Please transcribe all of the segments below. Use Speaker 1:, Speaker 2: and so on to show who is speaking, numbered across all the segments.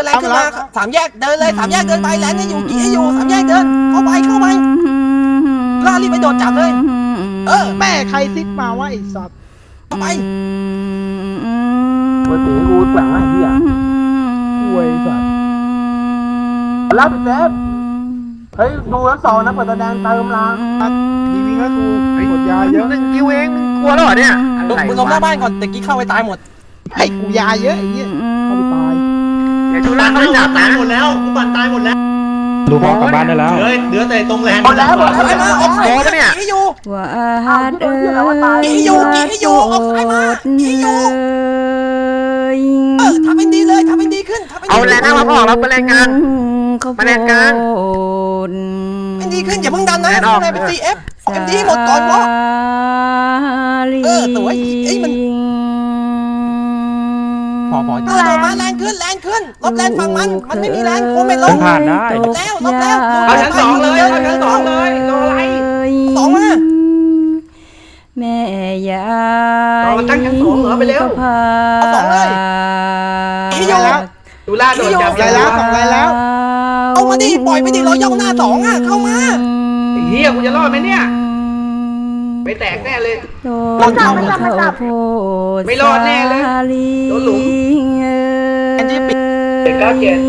Speaker 1: ลนขึ้นมาสามแยกเดินเลยสามแยกเดินไปแลนอยู่กี่ให้อยู่สามแยกเดินเข้าไปล่ารีบไปโดดจับเลย
Speaker 2: แม่ใครซิกมาว่าไอ้สัตว์
Speaker 1: เข้าไป
Speaker 3: ปกติกูแกว่งไอ้เหี้ย
Speaker 2: ป่วยสัตว์
Speaker 3: รับไปเซฟเฮ้ยดูทั้งสองนะเปิดตาแดงเติมล้าง
Speaker 2: ดีวิ่งแล้วกูกดยาเยอะ
Speaker 4: 1 คิวเองมึงกลัวแล้วเหรอเนี่ย
Speaker 1: มึงลงหน้าบ้านก่อนแต่กี้เข้าไปตายหมด
Speaker 2: ให้กูยาเยอะไอ้เหี้ยเข้าไปตาย
Speaker 4: เดี๋ยวชูล่าเขาจับนะ
Speaker 5: หมดแล้วกูปั่นตายหมดแล้ว
Speaker 6: ลูกออกกลับบ้านได้แล้ว
Speaker 5: เหลือแต่ตรงแลนด์
Speaker 3: หมดแล้วหมดแล้ว
Speaker 1: ออกซ้ายมากี่ให้อยู่
Speaker 7: ว่าฮัดเอ้ย
Speaker 1: กี่ให้อยู่ออกซ้ายมากี่ให้อยู่ทำเป็นดีเลยทำเป็นดีขึ้นทำเป็นดี
Speaker 4: เอาแรงนะมาออกแล้วมาแรงกลางมาแรงกลาง
Speaker 1: เป็นดีขึ้นอย่าเพิ่งดันนะข้างในเป็น CF เอ็มดีหมดก่อนวะสวยไอ้มันพอโดดมาแรงขึ้นลบแรงฝั่งมันไม่มีแรงโค้งไม่ลง
Speaker 6: ผ่านได้
Speaker 1: ลบแล้ว
Speaker 4: เอาชั้น 2เลยเอาชั้น 2เลยรออะไร
Speaker 1: สองมา
Speaker 7: แม่ยาย
Speaker 4: เราตั้งชั้น 2เหรอไปเร็ว
Speaker 1: เอาสองเลยกี่อยู่
Speaker 4: ชูล่าโดนจับ
Speaker 2: ไรแล้วสองไรแล้ว
Speaker 1: เอามาดิปล่อยไปดิเราย่องหน้าสองอ่ะเข้ามา
Speaker 4: เฮียกูจะรอดไหมเนี่ยไม่แตกแน่เลย
Speaker 7: โดนเข้าโพด
Speaker 4: ไม่รอดแน่เลยโดนหลุม
Speaker 1: แอนจี้ปิด
Speaker 4: เด็กก็เจ็บ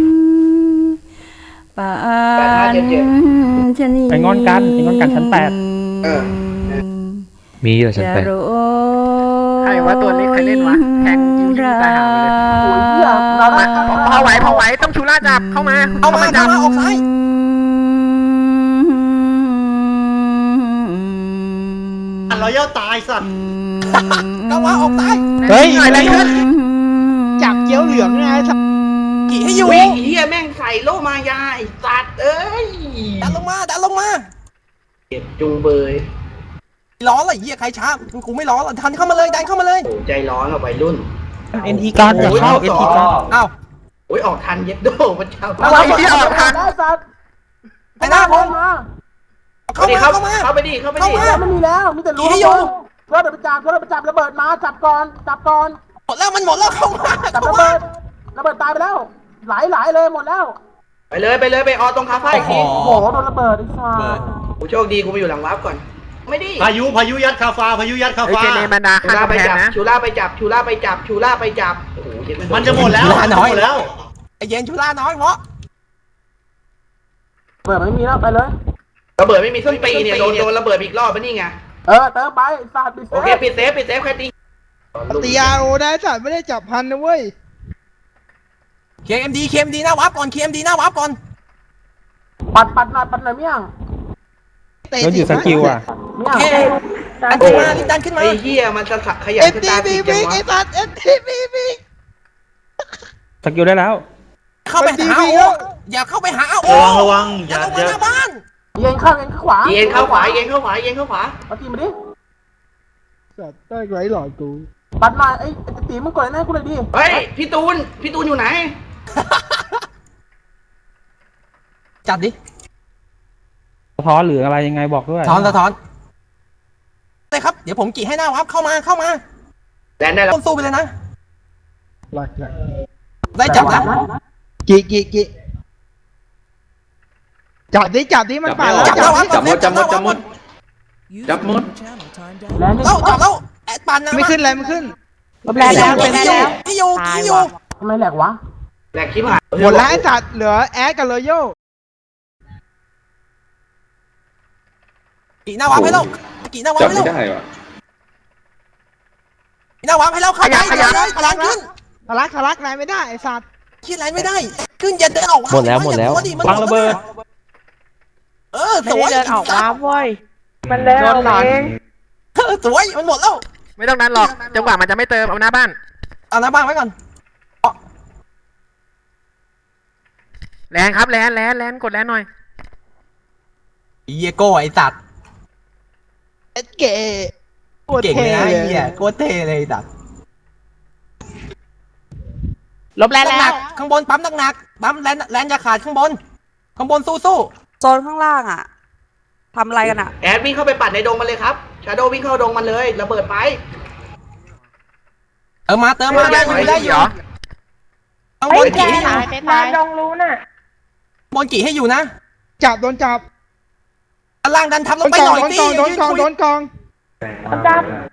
Speaker 7: ป่านชนี
Speaker 6: ไปงอนกันชั้น
Speaker 7: มีอยู่ชั้นแปด
Speaker 4: ใครว่าตัวนี้ใครเล่นวะแทงยิงตายหาเลย
Speaker 3: โอ้ยเหี้ยเราได้
Speaker 4: พอไหวต้องชูล่าจับเข้ามาจับ
Speaker 1: ออกซ้าย
Speaker 5: รอยย่าตายสัตว์
Speaker 1: เข้ามาออกซ้าย
Speaker 2: เฮ้ย
Speaker 4: อะไรขึ้น
Speaker 2: จับเกี้ยวเหลืองไงสัตว์
Speaker 1: กี่ให้อยู่
Speaker 4: วิ่งเฮียแม่งใส่โลมายาไอ้สัตว์เอ้ย
Speaker 1: ดันลงมา
Speaker 4: เจ็บจุงเบย
Speaker 1: ล้อเลยเหี้ยใครช้ากูไม่ล้อทันเข้ามาเลยดันเข้ามาเลย
Speaker 4: โอ้ใจร้อนเอาไปรุ่น
Speaker 6: 8 NT การอย่าเข้า NT การ
Speaker 1: อ้าว
Speaker 4: โอ้ยออกทันเย็ดโดมันเจ้า
Speaker 1: อะไรที่ออกทัน
Speaker 3: ได้สัตว์
Speaker 1: ไอ้หน้าผม
Speaker 3: มา
Speaker 1: เข้ามา
Speaker 4: เข้าไปดิ
Speaker 3: ไม่มีแล้วมีแต่รู้เพื่อเดี๋ยวไปจับระเบิดมาจับก่อน
Speaker 1: หมดแล้วมันหมดแล้วเข้ามา
Speaker 3: จับระเบิดตายไปแล้วหลายเลยหมดแล้ว
Speaker 4: ไปเลยไปออตรงคาเฟ่อีกที
Speaker 3: โอ้โหโดนระเบิดอีกสัตว์
Speaker 4: กูโชคดีกูไปอยู่หลังวาร์ปก่อนไม่ดิ
Speaker 5: พายุยัดคาฟ้า
Speaker 4: เจเนมันดาข้างไปจับชูล่าไปจับโอ้โห
Speaker 5: มันจะหมดแล้ว
Speaker 1: ไอ้เย็นชุล่าน้อยเพราะ
Speaker 3: เปิดไม่มีแล้วไปเลย
Speaker 4: ระเบิดไม่มีส้นตีเนี่ยโดนระเบิดอีกรอบปะนี่ไง
Speaker 3: เติมไปสัตว์
Speaker 4: โอเคปิดเซฟแค่ตี
Speaker 2: ตียาโอได้สัตว์ไม่ได้จับพันนะเว้ย
Speaker 1: KMD หน้าวับก่อน KMD หน้าวับก่อน
Speaker 3: ปัดหน่อยเมี่ยง
Speaker 6: แล้วอยู่สกิลอ่ะ
Speaker 3: เมี่ยง
Speaker 1: ดันขึ้นมา
Speaker 4: ไอ้เหี้ยมันจะขยัน
Speaker 2: เอ็ม
Speaker 4: ส
Speaker 2: ที
Speaker 4: ตาร์
Speaker 2: บี
Speaker 4: ติ
Speaker 2: บิ๊กไอ้สัตว์เอ็มทีบีบิ๊ก
Speaker 6: สกิลได้แล้ว
Speaker 1: เข้าไปหาโออย่าเข้าไปหาโอ
Speaker 5: ระวังอ
Speaker 1: อย่า
Speaker 5: ย่า
Speaker 1: ลงมาหน้าบ้าน
Speaker 3: เย็นข้างขวา
Speaker 4: เย็นเข้าขวา
Speaker 3: เอาตีมาดิ
Speaker 2: สัตว์ได้ไรหลอดกู
Speaker 3: ปัดหน่อยไอ้ตีมึงกดให้กูเลยดิ
Speaker 4: เฮ้ยพี่ตูนอยู่ไหน
Speaker 1: จัดดิ
Speaker 6: สะท้อนหรืออะไรยังไงบอกด้วย
Speaker 1: สะท้อนเลยครับเดี๋ยวผมกี่ให้หน้าวับเข้ามา
Speaker 4: แดนได้แล้ว
Speaker 1: ต้นสู้ไปเลยนะ
Speaker 2: หลัก
Speaker 1: ได้จับแล้ว
Speaker 2: กี่จับดิมันป่าแล้ว
Speaker 1: จับแล้วจับหมด
Speaker 6: จับหมด
Speaker 1: แล้วแอดปันนะ
Speaker 2: ไม่ขึ้นอะไรไม่ขึ้น
Speaker 7: แรงแล้วเป็นแล้ว
Speaker 1: ที่อยู่
Speaker 3: ทำไมแหลกวะ
Speaker 4: แหลกคลิปหาย
Speaker 2: หมดแล้วไอ้สัตว์เหลือแอดกับโรโย่
Speaker 1: กี่หน้าวับให้เรากี่หน้าวับให้เราหน้าวับให้เราเข้าไปเลยพลังขึ้น
Speaker 2: ทะลักนายไม่ได้ไอ้สัตว์
Speaker 1: คิดอะไรไม่ได้ขึ้นอย่าเดินออก
Speaker 6: หมดแล้ววางระเบิด
Speaker 1: สวย
Speaker 7: เดินออกมาเว้ย
Speaker 2: มันแล้วเอง
Speaker 1: สวยมันหมดแล้ว
Speaker 4: ไม่ต้องนั้นหรอกจังหวะมันจะไม่เติมเอาหน้าบ้าน
Speaker 1: เอาหน้าบ้านไว้ก่อน
Speaker 4: แรงครับแรงกดแรงหน่อย
Speaker 1: เฮียโก้ไอสัตว์
Speaker 2: เอ็ดเก๋โคตร
Speaker 1: เก่ง
Speaker 2: เท่
Speaker 1: เลยนะ
Speaker 2: เลย
Speaker 1: เฮียโคตรเท่เลยสัตว์
Speaker 7: ลบแรงแล้ว
Speaker 1: ข้างบนปั๊มหนักปั๊มแลนจะขาดข้างบนสู้
Speaker 7: โซนข้างล่างอ่ะทำอะไรกันอ่ะ
Speaker 4: แอดวิ่งเข้าไปปัดในดงมันเลยครับชาโดวิ่งเข้าดงมันเลยระเบิดไป
Speaker 1: มาเติมมาได้อยู่ข้างบนกี่ให้อยู่
Speaker 8: มาลงรู้น่ะ
Speaker 1: บนกี่ให้อยู่นะ
Speaker 2: จับโดนจับ
Speaker 1: ข้างล่างดันทับล
Speaker 2: โด
Speaker 1: ง
Speaker 2: น
Speaker 1: ไป
Speaker 2: ก
Speaker 1: ห
Speaker 2: อ
Speaker 1: น่
Speaker 2: ง
Speaker 1: อย
Speaker 2: โดน
Speaker 1: สิ
Speaker 2: กองโดนกองโดนกอง
Speaker 8: จับ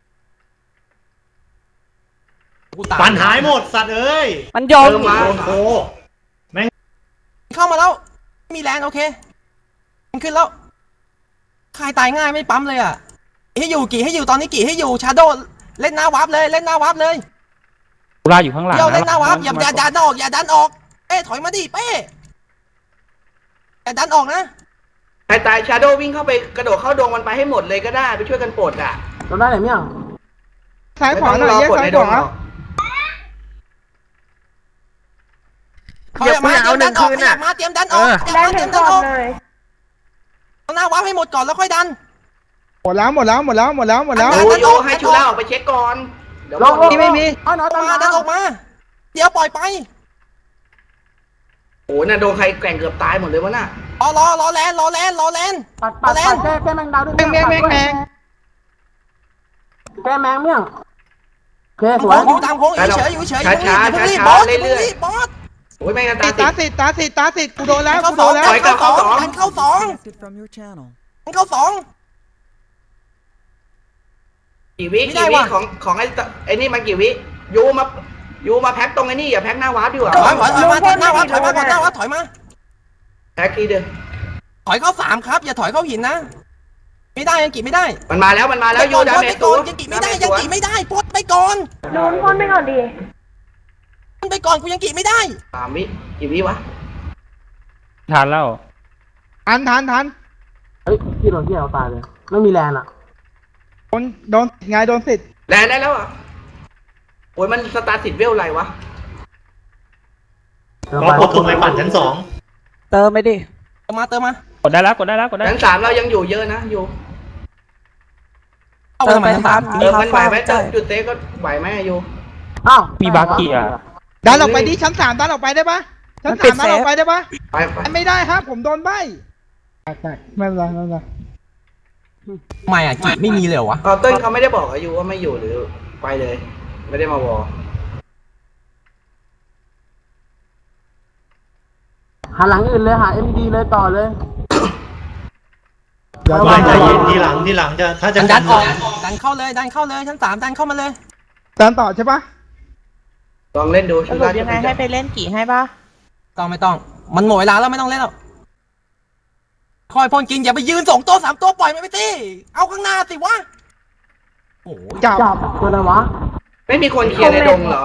Speaker 1: กูตาย
Speaker 5: ปั่นหายหมดสัตว์เอ้ย
Speaker 7: มันโยน
Speaker 4: เติมมา
Speaker 5: โดนโค
Speaker 1: เข้ามาแล้วไม่มีแรงโอเคมันขึ้นแล้วใครตายง่ายไม่ปั๊มเลยอ่ะให้อยู่กี่ให้อยู่ตอนนี้กี่ให้อยู่ชาโดเล่นหน้าวาร์ปเลยเล่นหน้าวาร์ปเลย
Speaker 6: ตุลาอยู่ข้างหลัง
Speaker 1: เดี๋ยวเล่นหน้าวาร์ปอย่าดันออกอย่าดันออกเป้ถอยมาดิเป้อย่าดันออกนะ
Speaker 4: ใครตายชาโดวิ่งเข้าไปกระโดดเข้าดงมันไปให้หมดเลยก็ได้ไปช่วยกันปลดอ่ะ
Speaker 3: จำได้ไหนเมี่ยง
Speaker 2: ซ้ายขวาหน่อย
Speaker 4: ไม่
Speaker 2: แยก
Speaker 4: ต้องรอปลด
Speaker 2: ซ้าย
Speaker 4: ใน
Speaker 2: ข
Speaker 4: ดง
Speaker 2: วา
Speaker 4: หรอก
Speaker 1: ขยับมาเตรียมดันออกขยับมาเตรียมดันออกขยับ
Speaker 8: แรง
Speaker 1: มาเต
Speaker 8: ถึ
Speaker 1: รีย
Speaker 8: ง
Speaker 1: มดั
Speaker 8: ก่
Speaker 1: น
Speaker 8: อ
Speaker 1: อน อก
Speaker 8: เลย
Speaker 1: เอาหน้าวาร์ปให้หมดก่อนแล้วค่อยดัน
Speaker 2: หมดแล้ว
Speaker 4: โยให้ชูล่าออกไปเช็คก่อนเดี๋ยว
Speaker 3: ลง
Speaker 2: นี่ไม่มี
Speaker 3: เอาหน่อย
Speaker 1: อ
Speaker 3: ตา
Speaker 1: อก
Speaker 3: ม
Speaker 1: มาดันออกมา เดี๋ยวปล่อยไป
Speaker 4: โอ้น่ะโดนใครแกว่งเกือบตายหมดเลยวะน่ะ
Speaker 1: รอแลน
Speaker 3: ปัดแก้แมงดาวด้วย
Speaker 2: แมง
Speaker 3: แก้แมงเมี่ยงโอเคส
Speaker 1: โค้
Speaker 3: วย
Speaker 1: งอยู่ตามโค้งเฉยอยู่เฉยอย่าเพิ่งรีบบอสอย่าเพิ่งรีบบอส
Speaker 4: โอ้ยแม่งกัน
Speaker 2: ติด
Speaker 4: ตา
Speaker 2: ตาสิตากูโดนแล้ว
Speaker 1: เข้า
Speaker 2: กู
Speaker 1: ส
Speaker 2: โด
Speaker 1: อง
Speaker 2: นแล้ว
Speaker 1: ดันเข้าสองดันเข้าสองดันเข้าสอง
Speaker 4: กี่วิ
Speaker 1: ไม่ได้
Speaker 4: กี่วิ
Speaker 1: ว่ะ
Speaker 4: ของไอ้นี่มันกี่วิยูมาแพ็คตรงไอ้นี่อย่าแพ็คหน้าวาร์ปดีกว่า
Speaker 1: ถอยมาหน้าวาร์ปถอยมาก่อนหน้าวาร์ปถอยมา
Speaker 4: แพ็คทีเดียว
Speaker 1: ถอยเข้าสามครับอย่าถอยเข้าหินนะไม่ได้ยังกี่ไม่ได้
Speaker 4: มันมาแล้วยูดาเมจ
Speaker 1: ไปก่อนยังกี่ไม่ได้ยังกี่ไม่ได้ปลดไปก่อน
Speaker 8: โดนพ่นไปก่อนดิ
Speaker 1: ไปก่อนกูยังกี่ไม่ได้
Speaker 4: 3 วิกี่วิวะ
Speaker 6: ทันแล้ว
Speaker 2: ทัน
Speaker 3: เฮ้ยที่โดนที่เราตายเลยไม่มีแรงอ่ะ
Speaker 2: โดนไงโดนสิทธิ์
Speaker 4: แลนได้แล้วอ่ะโอ้ยมันสตาร์ติดเวลอะไรวะ
Speaker 5: ก็พบตรงไหนปั่นชั้น 2
Speaker 7: เติมไปดิ
Speaker 1: เติมมา
Speaker 6: กดได้แล้วกดได้แล้วกดได้
Speaker 4: ชั้น3เรายังอยู่เยอะนะอยู่
Speaker 1: เข้าไปทำไมชั้นสาม
Speaker 4: มันไหวไหมจุดเตะก็ไหวไหมอยู่
Speaker 3: อ้าว
Speaker 6: มีบาเกีย
Speaker 2: ดันออกไปดิชั้น3ดันออกไปได้ปะชั้น3ดันออกไปได้ปะ
Speaker 4: ไป
Speaker 2: ไม่ได้ครับผมโดนใบไม่เป็นไร
Speaker 1: ไม่อ่ะกี่ไม่มีเลยเหรอวะ
Speaker 4: เต้นเขาไม่ได้บอกอายุว่าไม่อยู่หรือไปเลย ไม่ได้มาวอ
Speaker 3: หาหลังอื่นเลยหา MD เลยต่อเลย
Speaker 5: ไม่ใจเย็นทีหลังจะถ้าจะ
Speaker 1: ดันออกดันเข้าเลยชั้นสามดันเข้ามาเลย
Speaker 2: ดันต่อใช่ปะ
Speaker 4: ลองเล่นดู
Speaker 8: สรุปยังไงให้ไปเล่นกี่ให้ปะ
Speaker 1: ต้องไม่ต้อง มันหมดเวลาแล้วไม่ต้องเล่นแล้วคอยพ่นกินอย่าไปยืน2 ตัว3 ตัวปล่อยมันไปสิเอาข้างหน้าสิวะโอ้โห
Speaker 2: จับ
Speaker 3: ตัวอะไรวะ
Speaker 4: ไม่มีคนเคลียร์ในดงเหรอ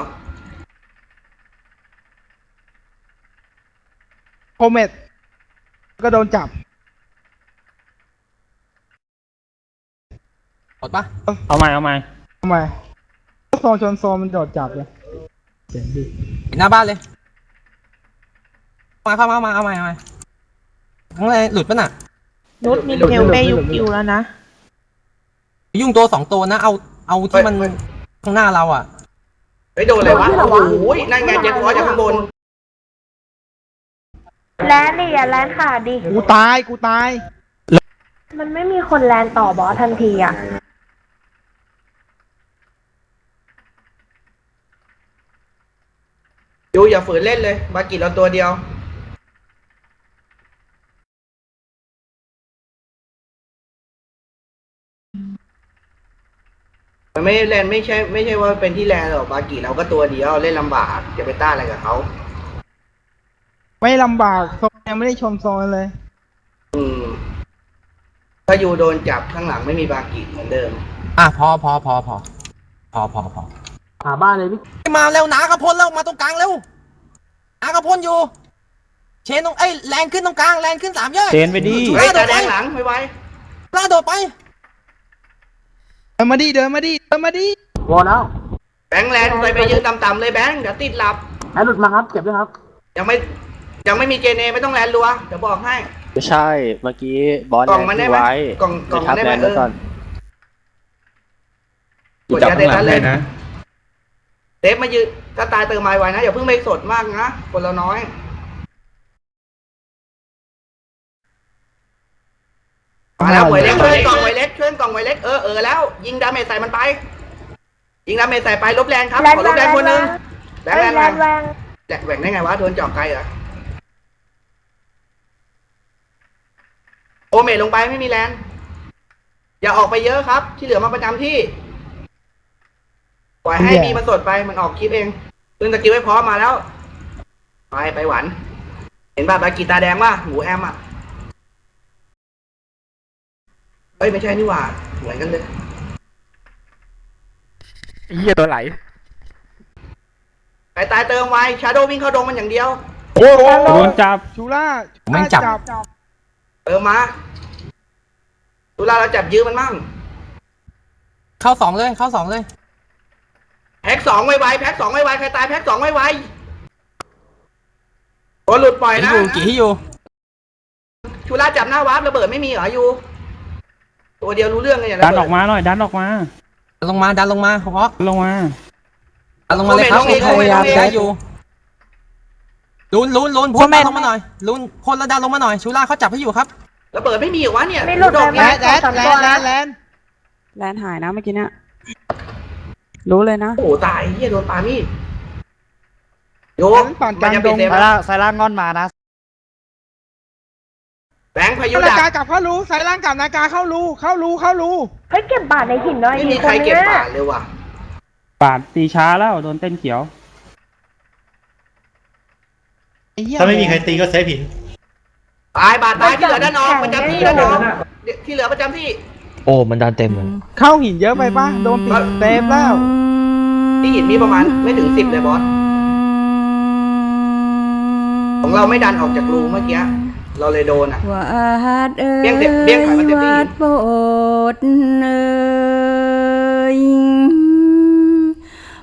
Speaker 2: โคเมตก็โดนจับ
Speaker 1: หมดปะ
Speaker 6: เอาใหม่
Speaker 2: ทำไมโซนมันโดดจับเลยเจ๋งดี
Speaker 1: เห็นหน้าบ้านเลยเข้ามาเอาใหม่ทั้งเลยหลุดปะน่ะ
Speaker 8: นุชมีเทลเปยุกิวแล้วนะ
Speaker 1: ยุ่งตัว2 ตัวนะเอาที่มันข้างหน้าเราอ่ะ
Speaker 4: ไปโดนอะไรวะโอ้โหนั่นไงเจ็บคอจากข้างบน
Speaker 8: แลนดิอย่าแลนขาดดิ
Speaker 2: กูตาย
Speaker 8: มันไม่มีคนแลนต่อบอสทันทีอ่ะ
Speaker 4: ยูอย่าฝืนเล่นเลยบากิเราตัวเดียวมันไม่แลนไม่ใช่ว่าเป็นที่แลนหรอกบากิเราก็ตัวเดียวเล่นลำบากจะไปต้านอะไรกับเขา
Speaker 2: ไม่ลำบากโซนยังไม่ได้ชมโซนเลย
Speaker 4: ถ้ายูโดนจับข้างหลังไม่มีบากิเหมือนเดิม
Speaker 1: อ่ะพอ
Speaker 3: หาบ้านเลยพี่
Speaker 1: มาเร็วหนากระพลแล้วมาตรงกลางเร็วหนากระพลอยู่เชนตรงแรงขึ้นตรงกลางแรงขึ้น3 ยอด
Speaker 6: เชนไปดิ
Speaker 4: เฮ้ยแต่แดงหลังไม่ไหว
Speaker 1: ล่าโดดไป
Speaker 2: เดินมาดิ
Speaker 3: วอลแล้ว
Speaker 4: แบงค์แลนไปยืนต่ำๆเลยแบงค์เดี๋ยวติดหลับ
Speaker 3: แอดหลุดมาครับเก็บด้วยครับ
Speaker 4: ยังไม่มีเจเนไม่ต้องแลนรัวเดี๋ยวบอกให้
Speaker 9: ไม่ใช่ เมื่อกี้บอส
Speaker 4: กล่องมันได้ไหม
Speaker 9: ไว้
Speaker 4: กล่อง
Speaker 9: ทับ
Speaker 4: ได้
Speaker 9: แล
Speaker 4: ไหม
Speaker 9: นด์ไว้ก่อน
Speaker 4: กดยาเตตันเลยนะเซฟมายืนถ้าตายเติมไม้ไว้นะอย่าเพิ่งไปสดมากนะคนเราน้อยมาแล้วหวยเล็กช่วยกล่องหวยเล็กแล้ว ยิงดาเมจใส่มันไปยิงดาเมจใส่ไปลบแรงครับขอลบแรงคนนึงแรง
Speaker 8: แลนแวง
Speaker 4: แหว่งได้ไงวะโดนเจาะไกลเหรอโอเมทลงไปไม่มีแลนอย่าออกไปเยอะครับ ที่เหลือมาประจำที่ปล่อยให้บีมันสดไปมันออกคลิปเองปืนสกิลไว้พร้อมมาแล้ว ไปหวานเห็นป่ะบากีตาแดงป่ะหมูแอมอ่ะเฮ้ยไม่ใช่นี่หว่าเหมือนกันเลย
Speaker 3: เหี้ยตัวไหล
Speaker 4: ไปตายเติมไวชาโดวิ่งเข้าดงมันอย่างเดียว
Speaker 3: โอ้โห
Speaker 6: โดนจับ
Speaker 2: ชูล่า
Speaker 1: แม่งจับ
Speaker 4: เติมมาตุลาเราจับยื้อมันมั่ง
Speaker 1: เข้าสองเลยเข้าสองเลย
Speaker 4: แพ็กสองไวๆแพ็กสองไวๆใครตายแพ็กสองไวๆโอ้หลุดปล่อย
Speaker 1: กี่
Speaker 4: นะ
Speaker 1: ให้อยู่กี่ให้อยู่
Speaker 4: ชูราจับหน้าวาร์ประเบิดไม่มีเหรออยู่ ตัวเดียวรู้เรื่องเลยอย่าง
Speaker 6: ดันออกมาหน่อยดันออกมา
Speaker 1: ดันลงมาดันลงมาฮอก
Speaker 6: ลงมา
Speaker 1: ดันลงมาเลยครับพยายามได้อยู่ลุนพ่นลงมาหน่อยลุนพ่นแล้วดันลงมาหน่อยชูล่าเขาจับให้อยู่ครับ
Speaker 4: ระเบิดไม่มีเหรอวะเนี่ย
Speaker 8: ไม่หลุด
Speaker 4: โด
Speaker 8: เล
Speaker 4: น
Speaker 8: ย
Speaker 4: แล้
Speaker 8: มั้
Speaker 4: วย
Speaker 2: แลนแลน
Speaker 7: แลนหายนะเมื่อกี้เนี่ยรู้เลยนะ
Speaker 4: โอ้โหตายเฮียโดนปามีดโย
Speaker 2: แลนปั่นกลางดง
Speaker 4: เต็ม
Speaker 3: สายล่างงอนมานะ
Speaker 4: แบงค์พายุ
Speaker 2: นา
Speaker 4: ดั
Speaker 2: กาก กลับเข้ารูสายล่างกลับนากาเข้ารูเข้ารู
Speaker 8: เฮ้ยเก็บบาทในหินหน่อย
Speaker 4: ไม่
Speaker 8: ดิ
Speaker 4: มีใครเก็บบาทเลยว่ะ
Speaker 6: ปาดตีช้าแล้วโดนเต้นเขียว
Speaker 5: ถ้าไม่มีใครตีก็เซฟหิน
Speaker 4: ตายบาทตายที่เหลือด้านนอกประจำที่ด้านนอกที่เหลือประจำที่
Speaker 9: โอ้มันดันเต็มเลย
Speaker 2: เข้าหินเยอะไปป่ะโดนปิดเต็มแล้ว
Speaker 4: ที่หินมีประมาณไม่ถึง10เลยบอสของเราไม่ดันออกจากรูเมื่อกี้เราเลยโดนอ่ะ
Speaker 7: วาดเอ้ย
Speaker 4: เบี้ยงถอยมาเต็มที่
Speaker 7: วาดโบดเอ้